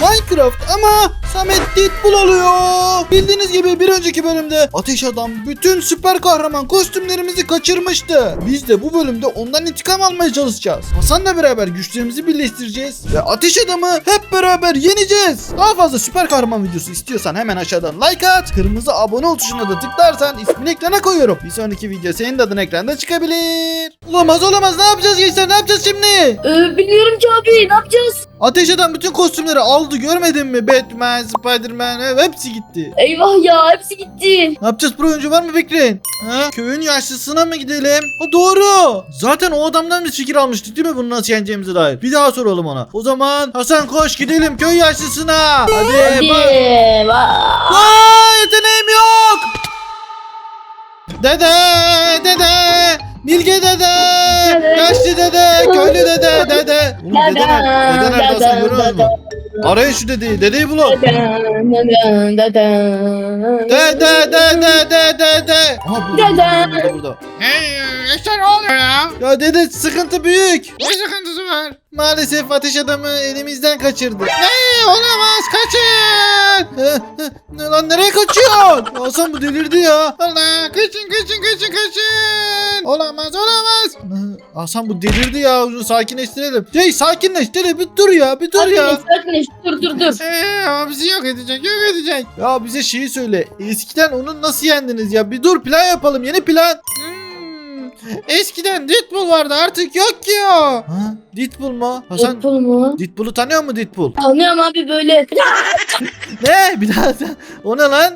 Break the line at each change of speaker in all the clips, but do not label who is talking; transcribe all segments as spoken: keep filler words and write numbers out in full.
Minecraft ama Samet Deadpool oluyor. Bildiğiniz gibi bir önceki bölümde Ateş Adam bütün süper kahraman kostümlerimizi kaçırmıştı. Biz de bu bölümde ondan intikam almaya çalışacağız. Hasan'la beraber güçlerimizi birleştireceğiz ve Ateş Adam'ı hep beraber yeneceğiz. Daha fazla süper kahraman videosu istiyorsan hemen aşağıdan like at. Kırmızı abone ol tuşuna da tıklarsan ismini ekrana koyuyorum. Bir sonraki video senin de adın ekranda çıkabilir. Olamaz olamaz, ne yapacağız gençler, ne yapacağız şimdi?
Ee, bilmiyorum ki abi, ne yapacağız?
Ateş Adam bütün kostümleri aldı, görmedin mi? Batman, Spiderman, hepsi gitti.
Eyvah ya, hepsi gitti.
Ne yapacağız, pro oyuncu var mı bekleyin? Ha? Köyün yaşlısına mı gidelim? Ha, doğru. Zaten o adamdan bir fikir almıştık değil mi bunu nasıl yeneceğimize dair? Bir daha soralım ona. O zaman Hasan koş gidelim köy yaşlısına. Hadi.
Hadi.
Ba-
Vaa.
Aa, yeteneğim yok. Dede, dede. Bilge dede. Yaşlı dede. Köylü dede, dede. Oğlum dede nerede? Dede nerede Hasan, görüyoruz mu? Arayın şu dedeyi. Dedeyi bulun. Dede, dede, dede, dede. Aha burada, burada, burada, burada.
Hey, işte ne oluyor ya?
Ya dede sıkıntı büyük.
Ne sıkıntısı var?
Maalesef Ateş Adam'ı elimizden kaçırdı.
Hey, olamaz, kaçın!
Ne lan, nereye kaçıyorsun? Hasan bu delirdi ya.
Allah, kaçın, kaçın, kaçın, kaçın! Olamaz, olamaz!
Hasan bu delirdi ya. Onu sakinleştirelim. Hey sakinleş dede, bir dur ya, bir dur
Sakinleş,
ya.
sakinleş, dur dur dur.
Hey, o bizi yok edecek, yok edecek.
Ya bize şeyi söyle. Eskiden onu nasıl yendiniz ya? Bir dur, plan yapalım, yeni plan.
Hmm, eskiden Deadpool vardı, artık yok ki o.
Ha? Deadpool mu? Hasan
Deadpool mu?
Deadpool'u tanıyor mu Deadpool?
Tanıyorum abi böyle.
Ne? Bir daha. O ne lan?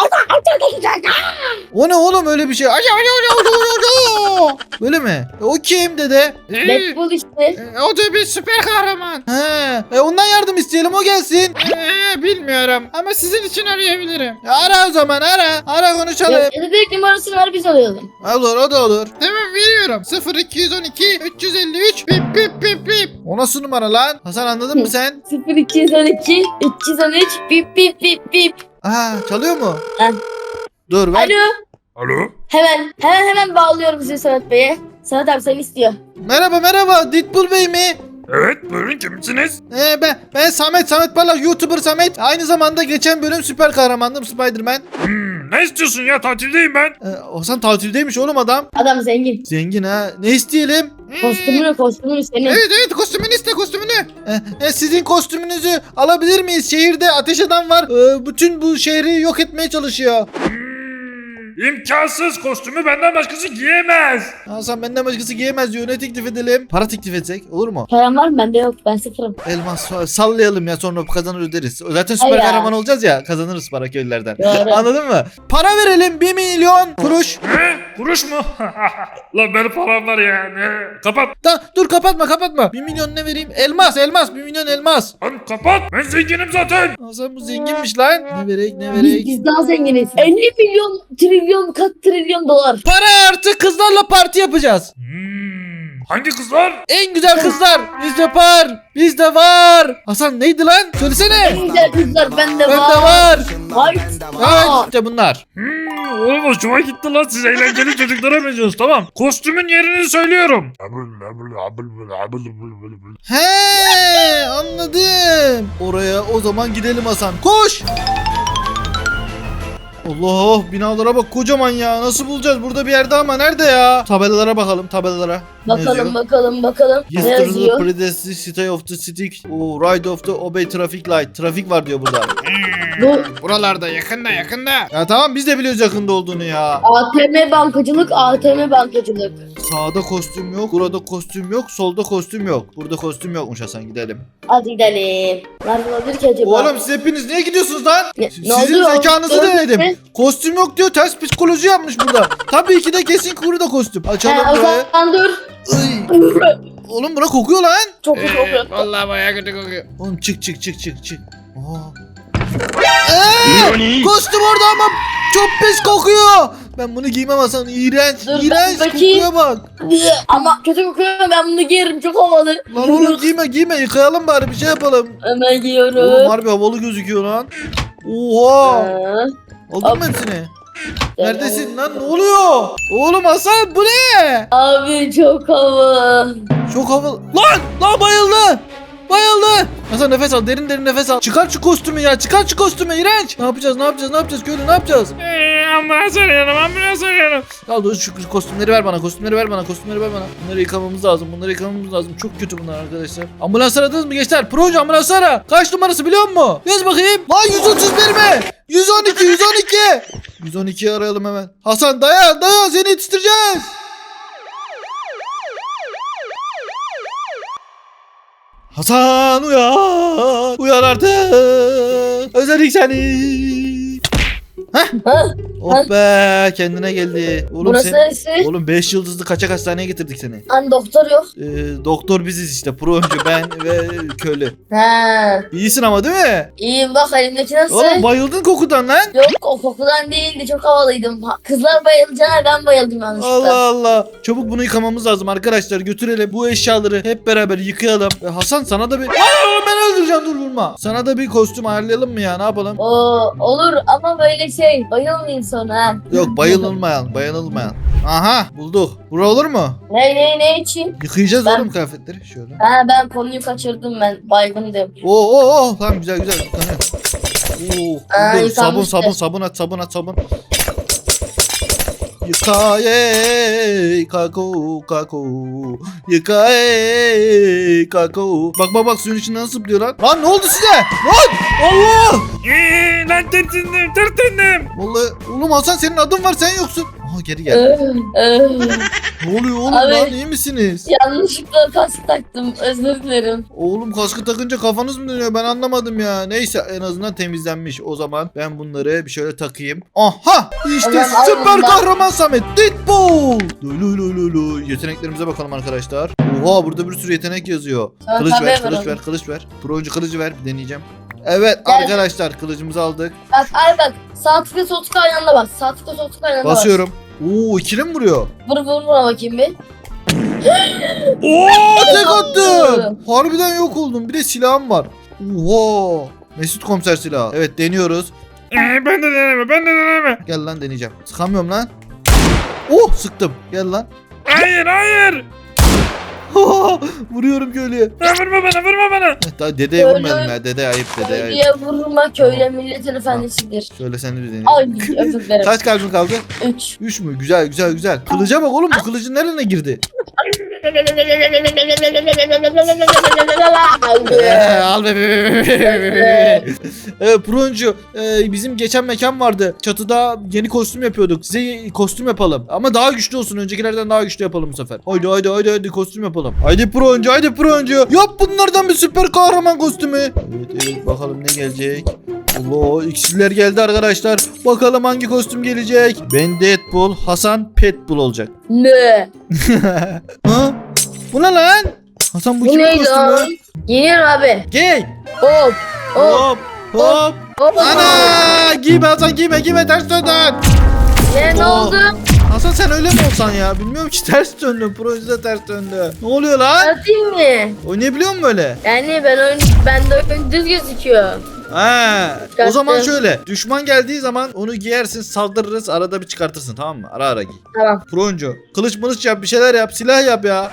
O ne oğlum, öyle bir şey? Ay, ay, ay, ay, ay, ay. Böyle mi? E, o kim dede?
Ee,
Deadpool işte.
e, o da bir süper kahraman.
He. E, ondan yardım isteyelim, o gelsin.
Ee, bilmiyorum ama sizin için arayabilirim.
E, ara o zaman, ara. Ara konuşalım.
Ya, ya da direkt numarasını ver, biz alayalım.
Olur, o da olur.
Tamam, veriyorum. sıfır iki on iki üç yüz elli üç pip pip pip pip.
O nasıl numara lan? Hasan anladın mı sen?
sıfır iki on iki üç yüz on üç bip bip bip bip.
Aa, çalıyor mu?
Ha.
Dur ver.
Alo.
Alo?
Hemen hemen hemen bağlıyorum sizi Sanat Bey'e. Sanat abi seni istiyor.
Merhaba merhaba, Deadpool Bey mi?
Evet, buyurun, kimsiniz?
Ee, ben ben Samet Samet Parlak, YouTuber Samet. Aynı zamanda geçen bölüm süper kahramandım, Spiderman.
Hmm, ne istiyorsun ya, tatildeyim ben.
Ee, Hasan tatildeymiş oğlum adam.
Adam zengin.
Zengin ha. Ne isteyelim?
Kostümünü kostümünü senin.
Evet evet, kostümünü iste, kostümünü.
Ee, e, sizin kostümünüzü alabilir miyiz? Şehirde Ateş Adam var. Ee, bütün bu şehri yok etmeye çalışıyor.
Hmm, imkansız, kostümü benden başkası giyemez.
Hasan benden başkası giyemez diyor. Ne teklif edelim? Para teklif etsek olur mu?
Param var mı? Bende yok. Ben sıfırım.
Elmas sallayalım ya, sonra kazanır öderiz. Zaten süper
Ay ya.
kahraman olacağız ya, kazanırız para köylülerden.
Doğru.
Anladın mı? Para verelim, bir milyon kuruş.
Ne? Kuruş mu? Lan benim param var ya. Ne? Kapat.
Da, dur kapatma kapatma. Bir milyon ne vereyim? Elmas elmas, bir milyon elmas.
Lan kapat. Ben zenginim zaten.
Hasan bu zenginmiş lan. Ne verek ne
Biz,
verek?
biz daha zenginiz. elli milyon, trilyon, kat trilyon dolar.
Para artı kızlarla parti yapacağız.
Hmm, hangi kızlar?
En güzel kızlar. Bizde var. Bizde var. Hasan neydi lan? Söylesene.
En güzel kızlar bende
Bende
var.
var.
Hayır.
Evet işte bunlar.
Hmm, oğlum hoşuma gitti lan, siz eğlenceli çocuklara benziyorsunuz, tamam. Kostümün yerini söylüyorum.
He anladım. Oraya o zaman gidelim Hasan. Koş. Allah, binalara bak kocaman ya. Nasıl bulacağız? Burada bir yerde ama nerede ya? Tabelalara bakalım, tabelalara. Ne
Bakalım
yazıyor?
bakalım bakalım. Ne
Yesterday
yazıyor?
predestined stay of the stick. Oh, right of the obey traffic light. Trafik var diyor burada.
Bu
Buralarda, yakında, yakında.
Ya tamam, biz de biliyoruz yakında olduğunu ya.
A T M bankacılık, A T M bankacılık.
Sağda kostüm yok, burada kostüm yok, solda kostüm yok. Burada kostüm yokmuş Hasan, gidelim.
Hadi gidelim. Nerede olabilir ki acaba?
Oğlum siz hepiniz niye gidiyorsunuz lan?
Ne-
Sizin
ne oldu?
zekanızı
Gördün
denedim.
mü?
Kostüm yok diyor, ters psikoloji yapmış burada. Tabii ki de kesin kuru da kostüm. Açalım
He, o
burayı.
zaman dur.
Iy. Oğlum bura kokuyor lan.
Çok kötü
Ee,
oluyor.
vallahi bayağı kötü kokuyor.
Oğlum çık çık çık çık çık. Aa. Ee, kostüm orada ama çok pis kokuyor. Ben bunu giymem Hasan. İğrenç.
Dur,
İğrenç
ben bakayım.
kokuya bak.
Ama kötü kokuyor, ben bunu giyerim, çok havalı.
Lan oğlum giyme giyme, yıkayalım bari, bir şey yapalım.
Hemen
Oğlum
giyiyorum.
harbi havalı gözüküyor lan. Oha.
Ha.
Aldın mı hepsini? Neredesin lan, ne oluyor? Oğlum Hasan bu ne?
Abi çok havalı.
Çok havalı. Lan lan bayıldı. Bayıldı. Hasan nefes al. Derin derin nefes al. Çıkar şu kostümü ya. Çıkar şu kostümü. İğrenç. Ne yapacağız? Ne yapacağız? Ne yapacağız? Köylü ne yapacağız?
Ee, ambulans arıyorum ambulans arıyorum.
Al dur şu kostümleri ver bana. Kostümleri ver bana. Kostümleri ver bana. Bunları yıkamamız lazım. Bunları yıkamamız lazım. Çok kötü bunlar arkadaşlar. Ambulans aradınız mı gençler? Proje ambulans ara. Kaç numarası biliyor musun? Yaz bakayım. Lan yüz otuz bir mi? yüz on iki yüz on iki. yüz on ikiyi arayalım hemen. Hasan dayan dayan seni yetiştireceğiz. Hasan uyan. Uyan artık. Özledik seni. Heh.
Ha?
Oh be kendine geldi. Oğlum
Burası
sen...
neresi?
Oğlum beş yıldızlı kaçak hastaneye getirdik seni.
Hani doktor yok.
Ee, doktor biziz işte. Proje ben ve köylü.
Ha.
İyisin ama değil mi?
İyiyim bak elimdeki nasıl?
Oğlum bayıldın kokudan lan.
Yok o kokudan değildi çok havalıydım. Ha, Kızlar bayılacağına ben bayıldım yanlışlıkla.
Allah Allah. Çabuk bunu yıkamamız lazım arkadaşlar. Götürelim. Bu eşyaları hep beraber yıkayalım. Ve Hasan sana da bir... Aa, ben öldüreceğim dur vurma. Sana da bir kostüm ayarlayalım mı ya? Ne yapalım?
Oo, olur ama böyle şey bayılmayayım sonra ha.
Yok bayılılmayan. Bayılılmayan. Aha bulduk. Bura olur mu?
Ne ne ne için?
Yıkayacağız
Ben-
oğlum kıyafetleri. Şöyle.
Ha ben konuyu kaçırdım ben baygındım.
Oo oo oo. Tamam güzel güzel. Yıkanıyor. Oo.
Aa,
dur, sabun
yıkanmıştı.
sabun sabun at sabun at sabun. Yıka ey kako kako. Yıka ey kako. Bak bak bak suyun içinden nasıl zıplıyor lan. Lan ne oldu size? Lan Allah.
Ee, lan tırtındım tırtındım.
Vallahi oğlum Hasan senin adın var sen yoksun. Aha geri gel.
Ee, ee,
Ne oluyor oğlum
Abi.
lan iyi misiniz?
yanlışlıkla kask taktım özür dilerim.
Oğlum kaskı takınca kafanız mı dönüyor ben anlamadım ya. Neyse en azından temizlenmiş. O zaman ben bunları bir şöyle takayım. Aha işte
Ulan,
süper
aynen bak.
kahraman Samet Deadpool. Lo lo lo lo. Yeteneklerimize bakalım arkadaşlar. Oha burada bir sürü yetenek yazıyor.
Sana
Kılıç
tabii
ver
ver
kılıç
onu.
ver kılıç ver. Pro oyuncu kılıcı ver bir deneyeceğim. Evet
Gel.
arkadaşlar kılıcımızı aldık.
Bak ay bak sağ tıkla sol tıkla aynı anda bak. Sağ tıkla sol tıkla aynı anda bak.
Basıyorum. Oo ikili mi vuruyor?
Vur vur vur bakayım bir.
Oo!
Tek attım. Harbiden yok oldum. Bir de silahım var. Oha. Mesut komiser silahı. Evet deniyoruz.
Ee, ben de deneme ben de deneme.
Gel lan deneyeceğim. Sıkamıyorum lan. Oh sıktım. Gel lan.
Hayır hayır.
Vuruyorum köylüye.
Ya, vurma bana vurma bana.
Daha dedeye
Köylü-
vurmayalım ya. Dede ayıp dede ayıp.
Köylüye vurma köyle milletin efendisidir.
Şöyle sen de bir deneyelim.
Ay özür dilerim.
Kaç kalbin kaldı?
Üç.
Üç mü? Güzel güzel güzel. Kılıca bak oğlum bu kılıcın nerene girdi? Ee, al be, be, be, be, be, be. Evet Proncu e, bizim geçen mekan vardı. Çatıda yeni kostüm yapıyorduk. Size kostüm yapalım. Ama daha güçlü olsun. Öncekilerden daha güçlü yapalım bu sefer. Haydi haydi haydi haydi kostüm yapalım. Haydi Proncu haydi Proncu. Yap bunlardan bir süper kahraman kostümü. Evet evet bakalım ne gelecek. Allah iksirler geldi arkadaşlar. Bakalım hangi kostüm gelecek. Ben Deadpool, Hasan Petbull olacak.
Ne?
Ha? Bu ne lan? Hasan bu,
Bu
kimin
neydi
kostümü?
abi? Yeniyorum abi.
Gel.
Hop. Hop.
Hop hop.
Hop.
Ana! Giyme Hasan giyme giyme ters döndün.
Ne, ne
Oo.
oldu?
Hasan sen öyle mi olsan ya? Bilmiyorum ki ters döndün. Projede ters döndü. Ne oluyor lan?
Atayım mı?
Oynayabiliyor musun böyle?
Yani ben oyun, ben de oyun düz gözüküyor.
Ha. O
Çıkarttım.
zaman şöyle. Düşman geldiği zaman onu giyersin saldırırız arada bir çıkartırsın tamam mı? Ara ara giy.
Tamam.
Proncu. Kılıç mılıç yap bir şeyler yap. Silah yap ya.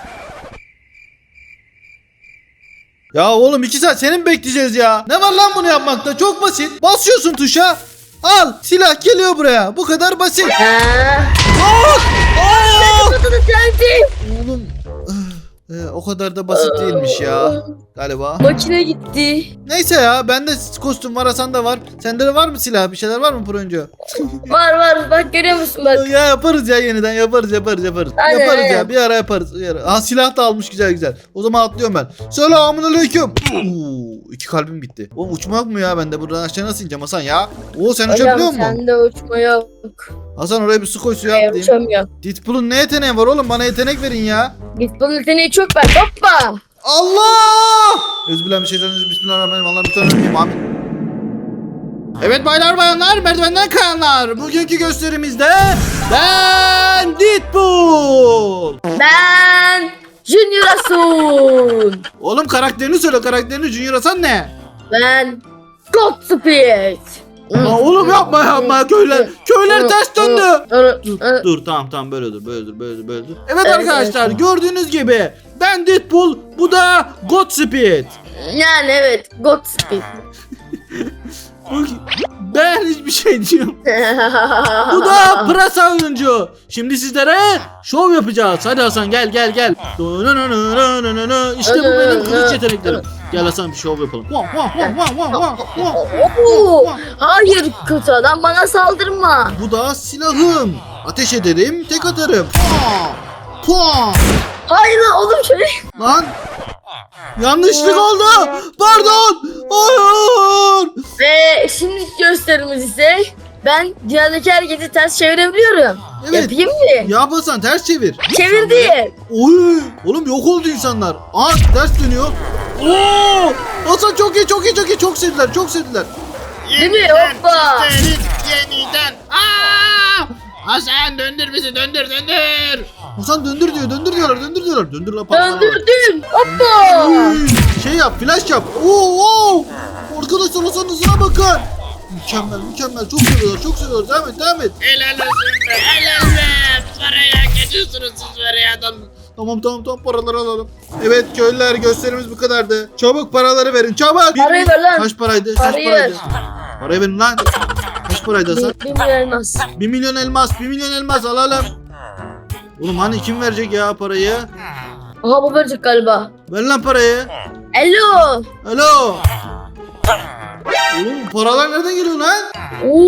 Ya oğlum iki saat seni mi bekleyeceğiz ya? Ne var lan bunu yapmakta? Çok basit. Basıyorsun tuşa. Al silah geliyor buraya. Bu kadar basit.
Ha.
Aa! Aa!
Kutuda sensin.
Oğlum eh, o kadar da basit değilmiş ya galiba.
Makine gitti.
Neyse ya bende kostüm var Hasan da var. Sende de var mı silah bir şeyler var mı Proncu?
Var var bak görüyor musun bak.
Ya yaparız ya yeniden yaparız yaparız yaparız.
Aynen,
yaparız
aynen.
ya bir ara yaparız. Bir ara. Ha silah da almış güzel güzel. O zaman atlıyorum ben. Selamun aleyküm. Oo, iki kalbim gitti. Oğlum uçma yok mu ya bende buradan aşağı nasıl ineceğim Hasan ya? Oo sen uçabiliyor
Hocam
musun?
sende uçma yok.
Hasan oraya bir su koy suya
Hayır
atlayayım.
uçamıyorum.
Deadpool'un ne yeteneği var oğlum bana yetenek verin ya.
Git bunun yeteneği çok ver. Hoppa.
Allah! Özbillahimineşşeytanirracim. Bismillahirrahmanirrahim. Allah'ım lütfen ölmeyeyim. Amin. Evet baylar bayanlar merdivenden kayanlar. Bugünkü gösterimizde ben Deadpool.
Ben Junior Asun.
Oğlum karakterini söyle karakterini Junior Hasan ne?
Ben God Speed.
Ya oğlum yapma yapma köyler. Köyler ters döndü. Dur, dur tamam tamam böyle dur böyle dur böyle dur böyle dur. Evet
Evet,
arkadaşlar
evet.
gördüğünüz gibi ben Deadpool, bu da Godspeed.
Yani evet. Godspeed.
Ben hiçbir şey diyorum. Bu da pırasa oyuncu. Şimdi sizlere şov yapacağız. Hadi Hasan gel gel gel. İşte bu benim kılıç yeteneklerim. Gel Hasan bir şov yapalım.
Oo, hayır kötü adam bana saldırma.
Bu da silahım. Ateş ederim, tek atarım. Pua! Pua!
Hayır lan oğlum şöyle.
Lan yanlışlık oldu. Pardon. Hayır.
Ve şimdi gösterimiz ise ben dünyadaki herkesi ters çevirebiliyorum.
Evet.
Yapayım mı?
Ya Hasan ters çevir.
Çevirdim.
Oy! Oğlum yok oldu insanlar. Aa ters dönüyor. Oo! Hasan çok iyi, çok iyi, çok iyi. Çok sevdiler, çok sevdiler.
Değil mi? Hoppa.
Üstelik yeniden. Aa! Hasan döndür bizi döndür döndür.
Hasan döndür diyor, döndür diyorlar, döndür diyorlar. Döndür lan patladı.
Döndürdüm. Hoppa.
Oy! Şey yap, flash yap. Oo! oo! Arkadaşlar Hasan'ın hızına bakın. Mükemmel, mükemmel. Çok seviyorlar, çok seviyorlar. Devam et, devam et.
Helal olsun be helal be. Paraya geçiyorsunuz siz parayadan.
Tamam, tamam, tamam. Paraları alalım. Evet köylüler, gösterimiz bu kadardı. Çabuk paraları verin, çabuk.
Parayı ver lan.
Kaç paraydı? Kaç
Parayı
paraydı? Parayı verin lan. Kaç paraydı Hasan?
Bir, bir milyon elmas.
Bir milyon elmas, bir milyon elmas alalım. Oğlum hani kim verecek ya parayı?
Aha bu verecek galiba.
Ver lan parayı.
Alo.
Alo. Oğlum bu paralar nereden geliyor lan?
Oo.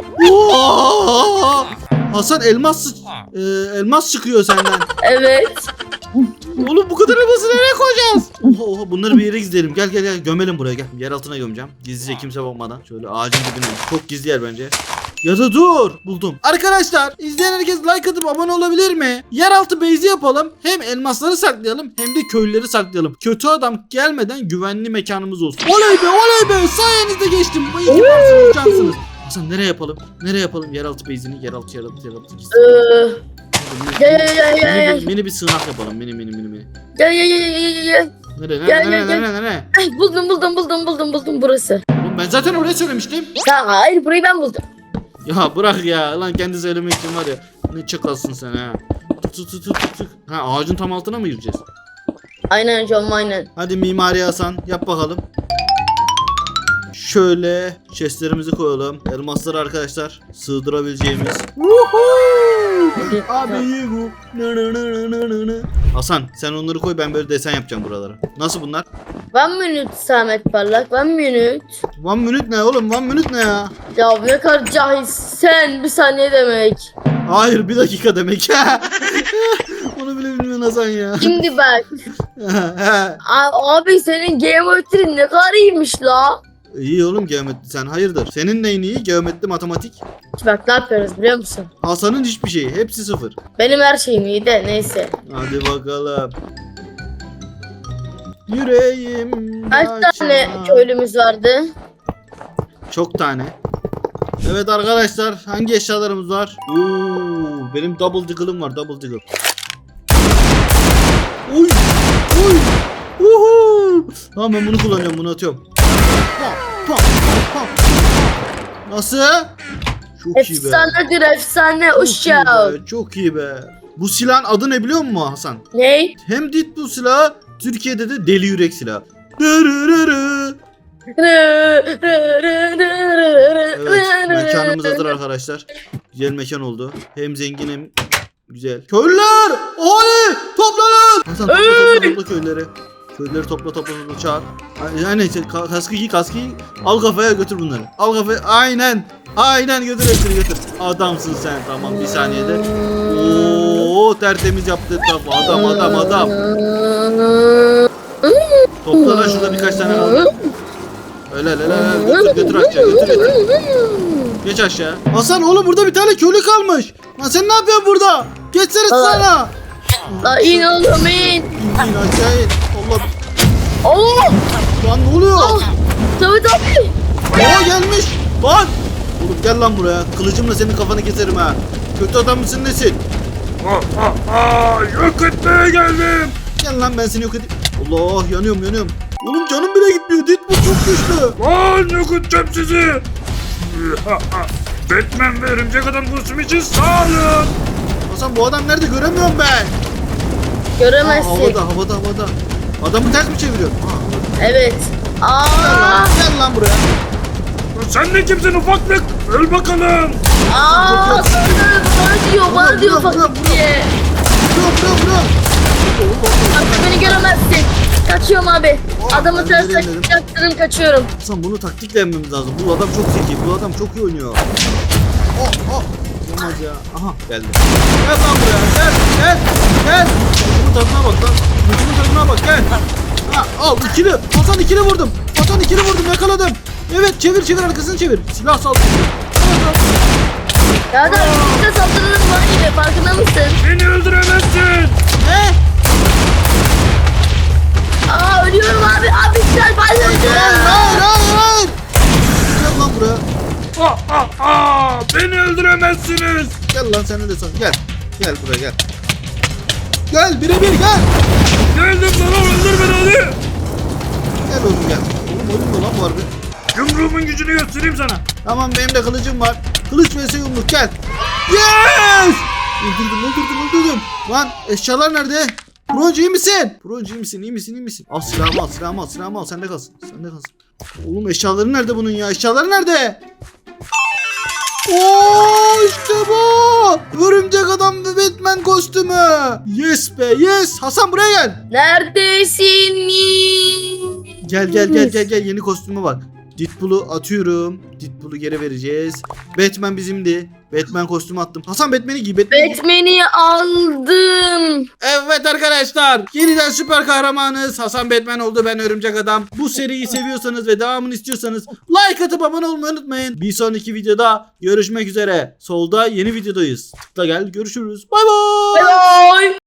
Oo! Hasan elmas sı- e, elmas çıkıyor senden.
Evet.
Oğlum bu kadar elması nereye koyacağız? Oha, oha, bunları bir yere gizleyelim. Gel gel gel gömelim buraya gel. Yer altına gömeceğim. Gizlice kimse bakmadan. Şöyle ağacın dibine. Çok gizli yer bence. Ya da dur. Buldum. Arkadaşlar izleyen herkes like atıp abone olabilir mi? Yeraltı base'i yapalım. Hem elmasları saklayalım hem de köylüleri saklayalım. Kötü adam gelmeden güvenli mekanımız olsun. Oley be oley be. Sayenizde geçtim. Bu iki varsınız cansınız. Hasan nereye yapalım? Nereye yapalım yeraltı base'ini? Yeraltı yeraltı yeraltı. gizli.
Ee, Gel gel gel gel
Mini,
gel.
bir, mini bir sığınak yapalım. Mini mini mini mini.
Gel gel gel gel gel gel.
Nereye
Gel,
nereye
gel,
nereye nereye?
Ay, buldum buldum buldum buldum buldum burası.
Oğlum ben zaten oraya söylemiştim.
Ya hayır burayı ben buldum.
Ya bırak ya. Lan kendi söylemek için var ya. Ne çakalsın sen ha. Tut tut tut tut tut. Ha ağacın tam altına mı gireceğiz?
Aynen John aynen.
Hadi mimari Hasan yap bakalım. Şöyle chestlerimizi koyalım. Elmasları arkadaşlar sığdırabileceğimiz. Abi iyi bu. Hasan sen onları koy, ben böyle desen yapacağım buralara. Nasıl bunlar?
One minute Samet Parlak one minute.
One minute ne oğlum? One minute ne ya?
Ya ne kadar cahilsin bir saniye demek.
Hayır bir dakika demek. Onu bile bilmiyorsun Hasan ya.
Şimdi bak. A- abi senin geometrin ne kadar iyiymiş la.
İyi oğlum geometri, sen hayırdır? Senin neyin iyi? Geometri, matematik.
Bak ne yapıyoruz biliyor musun?
Hasan'ın hiçbir şeyi. Hepsi sıfır.
Benim her şeyim iyi de neyse.
Hadi bakalım. Yüreğim.
Kaç tane köylümüz vardı?
Çok tane. Evet arkadaşlar hangi eşyalarımız var? Oo, benim double diggle'ım var, double diggle. Oy! Oy! Uhu! Tamam ben bunu kullanacağım, bunu atıyorum. Pa, pa, pa, pa. Nasıl? Çok iyi be.
Efsanedir efsane
Çok iyi
uşağım.
be, çok iyi be. Bu silahın adı ne biliyor musun Hasan?
Ne?
Hem Deadpool silahı, Türkiye'de de deli yürek silahı. Dırırırı. Evet, mekanımız hazır arkadaşlar. Güzel mekan oldu. Hem zengin hem güzel. Köylüler! Ahali! Toplanın! Hasan topla topla topla köylüleri. Köylüleri topla topla topla çağır. Yani ka- kaskı giy kaskı giy. Al kafaya götür bunları. Al kafaya. Aynen. Aynen götür hepsini götür. Adamsın sen, tamam bir saniyede. Oo tertemiz yaptı etrafı. Adam adam adam. Topla lan şurada birkaç tane kaldı. Öyle öyle öyle. Götür götür aşağı götür götür. Geç aşağı. Hasan oğlum burada bir tane köylü kalmış. Lan sen ne yapıyorsun burada? Geçsene sana.
La in oğlum in.
İn in aşağı in. Allah.
Oo.
Lan ne oluyor?
Oh. Samet abi.
Aa gelmiş. Lan. Oğlum gel lan buraya. Kılıcımla senin kafanı keserim ha. Kötü adam mısın nesin?
Ah, ah, ah, yok etmeye geldim.
Gel lan ben seni yok edeyim. Allah yanıyorum yanıyorum. Oğlum canım bile gitmiyor. Deadpool çok güçlü.
Lan yok edeceğim sizi. Batman ve örümcek adam kostümü için sağ olun.
Hasan bu adam nerede göremiyorum ben. Aa,
Göremezsin.
havada havada havada. Adamı ters mi çeviriyor? Aa,
Evet.
gel,
Aa,
lan, gel lan buraya.
Sen de kimsin ufaklık? Öl bakalım.
aa, bana, bana diyor, bana diyor
Bırak, bırak,
fakir diye.
Bırak bırak bırak.
Artık beni göremezsin. Kaçıyorum abi.
Oh,
Adamı
ben
ters
de denedim.
taktırım kaçıyorum.
Hasan bunu taktikle yenmemiz lazım. Bu adam çok zeki. Bu adam çok iyi oynuyor. Oh oh. Olmaz ya. Aha geldi. Gel lan buraya. Gel gel gel. Bunun tadına bak lan. Bunun tadına bak gel. Ha, al ikili. Hasan ikili vurdum. Hasan ikili vurdum yakaladım. Evet çevir çevir arkasını çevir. Silah sal.
Ya da bize saldırırım var gibi farkında mısın?
Beni öldüremezsin.
Ne?
Aa ölüyorum abi. Abi güzel
Hayır
bayıldım.
hayır hayır. Gel lan buraya.
Aa, aa, aa, beni öldüremezsiniz.
Gel lan sen de san. Gel. Gel buraya gel. Gel birebir gel.
Geldim lan öldür beni hadi.
Gel oğlum gel. Oğlum oyun mu lan bu harbi?
Yumruğumun gücünü göstereyim sana.
Tamam benim de kılıcım var. Kılıç vs yumruk gel. Yes! Öldürdüm öldürdüm öldürdüm. Lan eşyalar nerede? Broncu iyi misin? Broncu iyi misin iyi misin iyi misin? Al silahımı al silahımı al silahımı al sende kalsın. Sende kalsın. Oğlum eşyaları nerede bunun ya? Eşyaları nerede? Oo işte bu. Örümcek adam ve Batman kostümü. Yes be yes. Hasan buraya gel.
Neredesin?
Gel gel gel gel gel yeni kostümü bak. Deadpool'u atıyorum. Deadpool'u geri vereceğiz. Batman bizimdi. Batman kostümü attım. Hasan Batman'i giy. Batman'i giy.
Batman'i aldım.
Evet arkadaşlar. Yeniden süper kahramanız. Hasan Batman oldu, ben Örümcek Adam. Bu seriyi seviyorsanız ve devamını istiyorsanız like atıp abone olmayı unutmayın. Bir sonraki videoda görüşmek üzere. Solda yeni videodayız. Tıkla gel görüşürüz. Bay bay.
Bye bye.